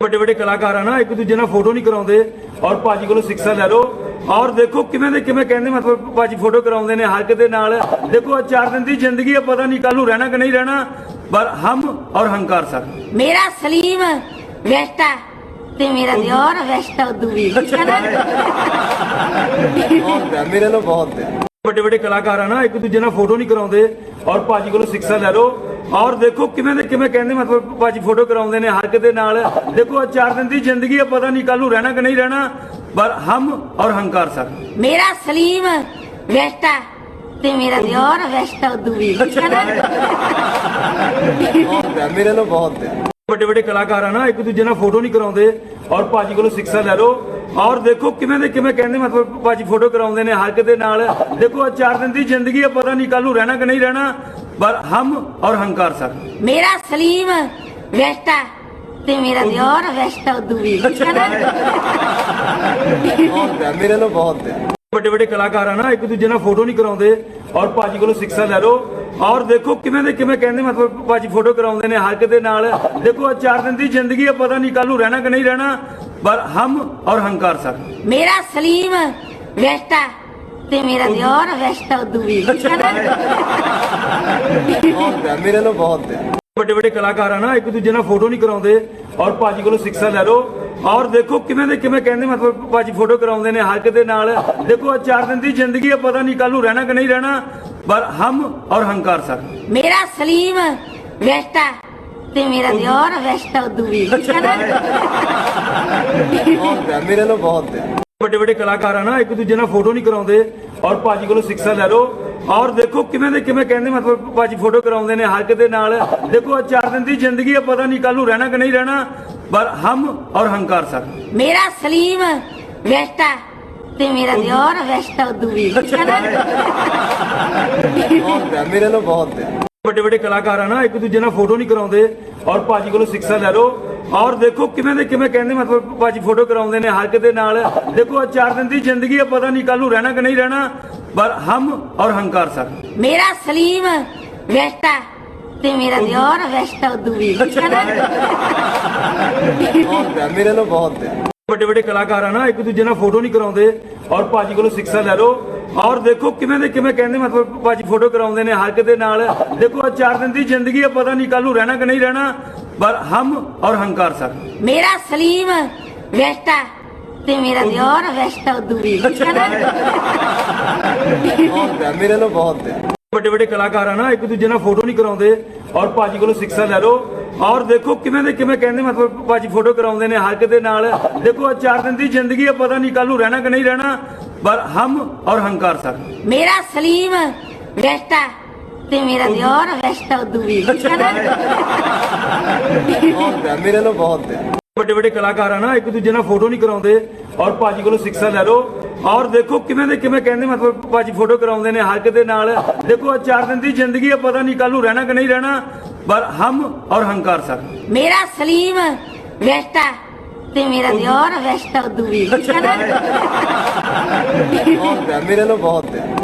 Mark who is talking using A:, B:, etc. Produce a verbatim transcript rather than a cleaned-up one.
A: ਵੱਡੇ ਵੱਡੇ ਕਲਾਕਾਰ ਆ ਨਾ ਇੱਕ ਦੂਜੇ ਨਾਲ ਫੋਟੋ ਨਹੀਂ ਕਰਾਉਂਦੇ ਔਰ ਭਾਜੀ ਕੋਲੋਂ ਸਿੱਖਿਆ ਲੈ ਲਓ ਔਰ ਦੇਖੋ ਕਿਵੇਂ ਦੇ ਕਿਵੇਂ ਕਹਿੰਦੇ ਮਤਲਬ ਭਾਜੀ ਫੋਟੋ ਕਰਾਉਂਦੇ ਨੇ ਹੱਕ ਦੇ ਨਾਲ। ਦੇਖੋ ਚਾਰ ਦਿਨ ਦੀ ਜ਼ਿੰਦਗੀ ਹੈ, ਪਤਾ ਨਹੀਂ ਕੱਲ ਨੂੰ ਰਹਿਣਾ ਕਿ ਨਹੀਂ ਰਹਿਣਾ, ਪਰ ਹਮ ਔਰ ਹੰਕਾਰ ਸਰ।
B: ਮੇਰਾ ਸਲੀਮ ਵੈਸਟਾ ਤੇ ਮੇਰਾ ਦਿਓਰ ਵੈਸਟਾ ਉਦੋਂ ਵੀ
C: ਮੇਰੇ ਨਾਲ ਬਹੁਤ ਹੈ।
A: ਵੱਡੇ ਵੱਡੇ ਕਲਾਕਾਰ ਆ ਨਾ ਇੱਕ ਦੂਜੇ ਨਾਲ ਫੋਟੋ ਨਹੀਂ ਕਰਾਉਂਦੇ ਔਰ ਭਾਜੀ ਕੋਲੋਂ ਸਿੱਖਿਆ ਲੈ ਲਓ ਔਰ ਦੇਖੋ ਕਿਵੇਂ ਦੇ ਕਿਵੇਂ ਕਹਿੰਦੇ ਮਤਲਬ ਭਾਜੀ ਫੋਟੋ ਕਰਾਉਂਦੇ ਨੇ ਹੱਕ ਦੇ ਨਾਲ। ਦੇਖੋ ਚਾਰ ਦਿਨ ਦੀ ਜ਼ਿੰਦਗੀ ਹੈ, ਪਤਾ ਨਹੀਂ ਕੱਲ ਨੂੰ ਰਹਿਣਾ ਕਿ ਨਹੀਂ ਰਹਿਣਾ, ਪਰ ਹਮ ਔਰ ਹੰਕਾਰ ਸਰ।
B: ਮੇਰਾ ਸਲੀਮ ਵੈਸਟਾ ਤੇ ਮੇਰਾ ਦਿਓਰ ਵੈਸਟਾ ਉਦੋਂ ਵੀ
C: ਮੇਰੇ ਨਾਲ ਬਹੁਤ ਹੈ।
A: ਵੱਡੇ ਵੱਡੇ ਕਲਾਕਾਰ ਆ ਨਾ ਇੱਕ ਦੂਜੇ ਨਾਲ ਫੋਟੋ ਨਹੀਂ ਕਰਾਉਂਦੇ ਔਰ ਭਾਜੀ ਕੋਲੋਂ ਸਿੱਖਿਆ ਲੈ ਲਓ ਔਰ ਦੇਖੋ ਕਿਵੇਂ ਦੇ ਕਿਵੇਂ ਕਹਿੰਦੇ ਮਤਲਬ ਭਾਜੀ ਫੋਟੋ ਕਰਾਉਂਦੇ ਨੇ ਹੱਕ ਦੇ ਨਾਲ। ਦੇਖੋ ਚਾਰ ਦਿਨ ਦੀ ਜ਼ਿੰਦਗੀ ਹੈ, ਪਤਾ ਨਹੀਂ ਕੱਲ ਨੂੰ ਰਹਿਣਾ ਕਿ ਨਹੀਂ ਰਹਿਣਾ, ਪਰ ਹਮ ਔਰ ਹੰਕਾਰ ਸਰ।
B: ਮੇਰਾ ਸਲੀਮ ਵੈਸਟਾ ਤੇ ਮੇਰਾ ਦਿਓਰ ਵੈਸਟਾ ਉਦੋਂ ਵੀ
C: ਮੇਰੇ ਨਾਲ ਬਹੁਤ ਹੈ।
A: ਵੱਡੇ ਵੱਡੇ ਕਲਾਕਾਰ ਆ ਨਾ ਇੱਕ ਦੂਜੇ ਨਾਲ ਫੋਟੋ ਨਹੀਂ ਕਰਾਉਂਦੇ ਔਰ ਭਾਜੀ ਕੋਲੋਂ ਸਿੱਖਿਆ ਲੈ ਲਓ ਔਰ ਦੇਖੋ ਕਿਵੇਂ ਦੇ ਕਿਵੇਂ ਕਹਿੰਦੇ ਮਤਲਬ ਭਾਜੀ ਫੋਟੋ ਕਰਾਉਂਦੇ ਨੇ ਹੱਕ ਦੇ ਨਾਲ। ਦੇਖੋ ਚਾਰ ਦਿਨ ਦੀ ਜ਼ਿੰਦਗੀ ਹੈ, ਪਤਾ ਨਹੀਂ ਕੱਲ ਨੂੰ ਰਹਿਣਾ ਕਿ ਨਹੀਂ ਰਹਿਣਾ, ਪਰ ਹਮ ਔਰ ਹੰਕਾਰ ਸਰ।
B: ਮੇਰਾ ਸਲੀਮ ਵੈਸਟਾ ਤੇ ਮੇਰਾ ਦਿਓਰ ਵੈਸਟਾ ਉਦੋਂ ਵੀ
C: ਮੇਰੇ ਨਾਲ ਬਹੁਤ ਹੈ।
A: ਵੱਡੇ ਵੱਡੇ ਕਲਾਕਾਰ ਆ ਨਾ ਇੱਕ ਦੂਜੇ ਨਾਲ ਫੋਟੋ ਨਹੀਂ ਕਰਾਉਂਦੇ ਔਰ ਭਾਜੀ ਕੋਲੋਂ ਸਿੱਖਿਆ ਲੈ ਲਓ ਔਰ ਦੇਖੋ ਕਿਵੇਂ ਦੇ ਕਿਵੇਂ ਕਹਿੰਦੇ ਮਤਲਬ ਭਾਜੀ ਫੋਟੋ ਕਰਾਉਂਦੇ ਨੇ ਹੱਕ ਦੇ ਨਾਲ। ਦੇਖੋ ਚਾਰ ਦਿਨ ਦੀ ਜ਼ਿੰਦਗੀ ਹੈ, ਪਤਾ ਨਹੀਂ ਕੱਲ ਨੂੰ ਰਹਿਣਾ ਕਿ ਨਹੀਂ ਰਹਿਣਾ, ਪਰ ਹਮ ਔਰ ਹੰਕਾਰ ਸਰ।
B: ਮੇਰਾ ਸਲੀਮ ਵੈਸਟਾ ਤੇ ਮੇਰਾ ਦਿਓਰ ਵੈਸਟਾ ਉਦੋਂ ਵੀ
C: ਮੇਰੇ ਨਾਲ ਬਹੁਤ ਹੈ।
A: ਵੱਡੇ ਵੱਡੇ ਕਲਾਕਾਰ ਆ ਨਾ ਇੱਕ ਦੂਜੇ ਨਾਲ ਫੋਟੋ ਨਹੀਂ ਕਰਾਉਂਦੇ ਔਰ ਭਾਜੀ ਕੋਲੋਂ ਸਿੱਖਿਆ ਲੈ ਲਓ ਔਰ ਦੇਖੋ ਕਿਵੇਂ ਦੇ ਕਿਵੇਂ ਕਹਿੰਦੇ ਮਤਲਬ ਭਾਜੀ ਫੋਟੋ ਕਰਾਉਂਦੇ ਨੇ ਹੱਕ ਦੇ ਨਾਲ। ਦੇਖੋ ਚਾਰ ਦਿਨ ਦੀ ਜ਼ਿੰਦਗੀ ਹੈ, ਪਤਾ ਨਹੀਂ ਕੱਲ ਨੂੰ ਰਹਿਣਾ ਕਿ ਨਹੀਂ ਰਹਿਣਾ, ਪਰ ਹਮ ਔਰ ਹੰਕਾਰ ਸਰ।
B: ਮੇਰਾ ਸਲੀਮ ਵੈਸਟਾ ਤੇ ਮੇਰਾ ਦਿਓਰ ਵੈਸਟਾ ਉਦੋਂ ਵੀ
C: ਮੇਰੇ ਨਾਲ ਬਹੁਤ ਹੈ।
A: ਵੱਡੇ ਵੱਡੇ ਕਲਾਕਾਰ ਆ ਨਾ ਇੱਕ ਦੂਜੇ ਨਾਲ ਫੋਟੋ ਨਹੀਂ ਕਰਾਉਂਦੇ ਔਰ ਭਾਜੀ ਕੋਲੋਂ ਸਿੱਖਿਆ ਲੈ ਲਓ ਔਰ ਦੇਖੋ ਕਿਵੇਂ ਦੇ ਕਿਵੇਂ ਕਹਿੰਦੇ ਮਤਲਬ ਭਾਜੀ ਫੋਟੋ ਕਰਾਉਂਦੇ ਨੇ ਹੱਕ ਦੇ ਨਾਲ। ਦੇਖੋ ਚਾਰ ਦਿਨ ਦੀ ਜ਼ਿੰਦਗੀ ਹੈ, ਪਤਾ ਨਹੀਂ ਕੱਲ ਨੂੰ ਰਹਿਣਾ ਕਿ ਨਹੀਂ ਰਹਿਣਾ, ਪਰ ਹਮ ਔਰ ਹੰਕਾਰ ਸਰ।
B: ਮੇਰਾ ਸਲੀਮ ਵੈਸਟਾ ਤੇ ਮੇਰਾ ਦਿਓਰ ਵੈਸਟਾ ਉਦੋਂ ਵੀ
C: ਮੇਰੇ ਨਾਲ ਬਹੁਤ ਹੈ।
A: ਵੱਡੇ ਵੱਡੇ ਕਲਾਕਾਰ ਆ ਨਾ ਇੱਕ ਦੂਜੇ ਨਾਲ ਫੋਟੋ ਨਹੀਂ ਕਰਾਉਂਦੇ ਔਰ ਭਾਜੀ ਕੋਲੋਂ ਸਿੱਖਿਆ ਲੈ ਲਓ ਔਰ ਦੇਖੋ ਕਿਵੇਂ ਦੇ ਕਿਵੇਂ ਕਹਿੰਦੇ ਮਤਲਬ ਭਾਜੀ ਫੋਟੋ ਕਰਾਉਂਦੇ ਨੇ ਹੱਕ ਦੇ ਨਾਲ। ਦੇਖੋ ਚਾਰ ਦਿਨ ਦੀ ਜ਼ਿੰਦਗੀ ਹੈ, ਪਤਾ ਨਹੀਂ ਕੱਲ ਨੂੰ ਰਹਿਣਾ ਕਿ ਨਹੀਂ ਰਹਿਣਾ, ਪਰ ਹਮ ਔਰ ਹੰਕਾਰ ਸਰ।
B: ਮੇਰਾ ਸਲੀਮ ਵੈਸਟਾ ਤੇ ਮੇਰਾ ਦਿਓਰ ਵੈਸਟਾ ਉਦੋਂ ਵੀ
C: ਮੇਰੇ ਨਾਲ ਬਹੁਤ ਹੈ।
A: ਵੱਡੇ ਵੱਡੇ ਕਲਾਕਾਰ ਆ ਨਾ ਇੱਕ ਦੂਜੇ ਨਾਲ ਫੋਟੋ ਨਹੀਂ ਕਰਾਉਂਦੇ ਔਰ ਭਾਜੀ ਕੋਲੋਂ ਸਿੱਖਿਆ ਲੈ ਲਓ ਔਰ ਦੇਖੋ ਕਿਵੇਂ ਦੇ ਕਿਵੇਂ ਕਹਿੰਦੇ ਮਤਲਬ ਭਾਜੀ ਫੋਟੋ ਕਰਾਉਂਦੇ ਨੇ ਹੱਕ ਦੇ ਨਾਲ। ਦੇਖੋ ਚਾਰ ਦਿਨ ਦੀ ਜ਼ਿੰਦਗੀ ਹੈ, ਪਤਾ ਨਹੀਂ ਕੱਲ ਨੂੰ ਰਹਿਣਾ ਕਿ ਨਹੀਂ ਰਹਿਣਾ, ਪਰ ਹਮ ਔਰ ਹੰਕਾਰ ਸਰ।
B: ਮੇਰਾ ਸਲੀਮ ਵੈਸਟਾ ਤੇ ਮੇਰਾ ਦਿਓਰ ਵੈਸਟਾ ਉਦੋਂ ਵੀ
C: ਮੇਰੇ ਨਾਲ ਬਹੁਤ ਹੈ।
A: ਵੱਡੇ ਵੱਡੇ ਕਲਾਕਾਰ ਆ ਨਾ ਇੱਕ ਦੂਜੇ ਨਾਲ ਫੋਟੋ ਨਹੀਂ ਕਰਾਉਂਦੇ ਔਰ ਭਾਜੀ ਕੋਲੋਂ ਸਿੱਖਿਆ ਲੈ ਲਓ ਔਰ ਦੇਖੋ ਕਿਵੇਂ ਦੇ ਕਿਵੇਂ ਕਹਿੰਦੇ ਮਤਲਬ ਭਾਜੀ ਫੋਟੋ ਕਰਾਉਂਦੇ ਨੇ ਹੱਕ ਦੇ ਨਾਲ। ਦੇਖੋ ਚਾਰ ਦਿਨ ਦੀ ਜ਼ਿੰਦਗੀ ਹੈ, ਪਤਾ ਨਹੀਂ ਕੱਲ ਨੂੰ ਰਹਿਣਾ ਕਿ ਨਹੀਂ ਰਹਿਣਾ, ਪਰ ਹਮ ਔਰ ਹੰਕਾਰ ਸਰ।
B: ਮੇਰਾ ਸਲੀਮ ਵੈਸਟਾ ਤੇ ਮੇਰਾ ਦਿਓਰ ਵੈਸਟਾ ਉਦੋਂ ਵੀ
C: ਮੇਰੇ ਨਾਲ ਬਹੁਤ ਹੈ।